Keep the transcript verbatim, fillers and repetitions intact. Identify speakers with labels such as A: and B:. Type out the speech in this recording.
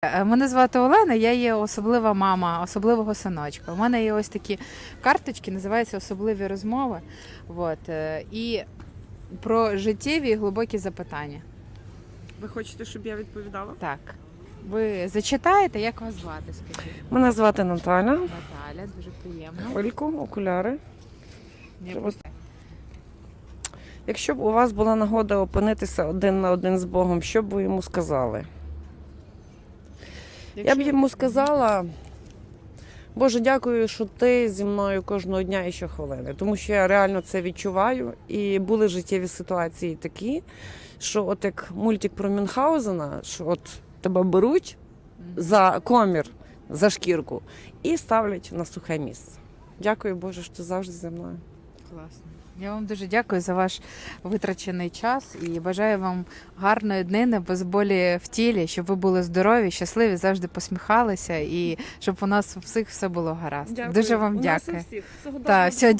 A: Е, Мене звати Олена, я є особлива мама особливого синочка. У мене є ось такі карточки, називаються особливі розмови. От, е, і про життєві і глибокі запитання.
B: Ви хочете, щоб я відповідала?
A: Так. Ви зачитаєте, як вас звати, скажіть?
C: Мене звати Наталя.
A: Наталя, дуже приємно.
C: Хвильку, окуляри.
A: Не
C: Треба- Якщо б у вас була нагода опинитися один на один з Богом, що б ви йому сказали? Я б йому сказала: Боже, дякую, що ти зі мною кожного дня і щохвилини. Тому що я реально це відчуваю. І були життєві ситуації такі, що от як мультик про Мюнхгаузена, що от тебе беруть за комір, за шкірку і ставлять на сухе місце. Дякую, Боже, що ти завжди зі мною.
A: Класно. Я вам дуже дякую за ваш витрачений час і бажаю вам гарної днини, без болі в тілі, щоб ви були здорові, щасливі, завжди посміхалися і щоб у нас у всіх все було гаразд. Дуже вам
C: У нас у
A: дякую.
C: всіх. Всього
A: Так,
C: доброго.
A: все,